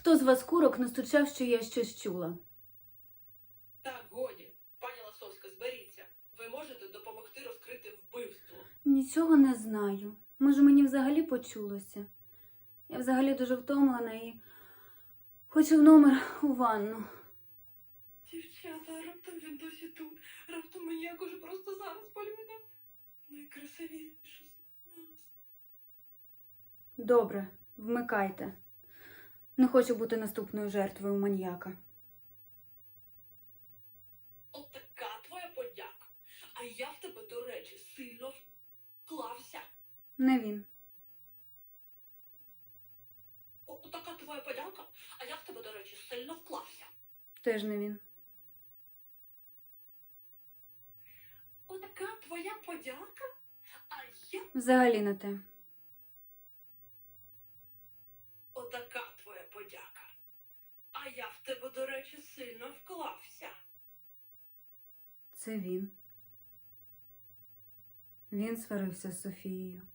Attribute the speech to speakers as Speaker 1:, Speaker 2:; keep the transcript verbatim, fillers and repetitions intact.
Speaker 1: Хто з вас курок настучав, що я щось чула?
Speaker 2: Так, годі. Пані Ласовська, зберіться. Ви можете допомогти розкрити вбивство.
Speaker 1: Нічого не знаю. Може, мені взагалі почулося? Я взагалі дуже втомлена і хочу в номер у ванну.
Speaker 2: Дівчата, раптом він досі тут. Раптом маньяк уже просто зараз полюбив найкрасивішу з нас.
Speaker 1: Добре, вмикайте. Не хочу бути наступною жертвою маньяка.
Speaker 2: От така твоя подяка. А я в тебе, до речі, сильно вклався.
Speaker 1: Не він.
Speaker 2: От така твоя подяка, а я в тебе, до речі, сильно вклався.
Speaker 1: Теж не він.
Speaker 2: От така твоя подяка, а я...
Speaker 1: Взагалі не те.
Speaker 2: Отака твоя подяка. А я в тебе, до речі, сильно вклався.
Speaker 1: Це він. Він сварився з Софією.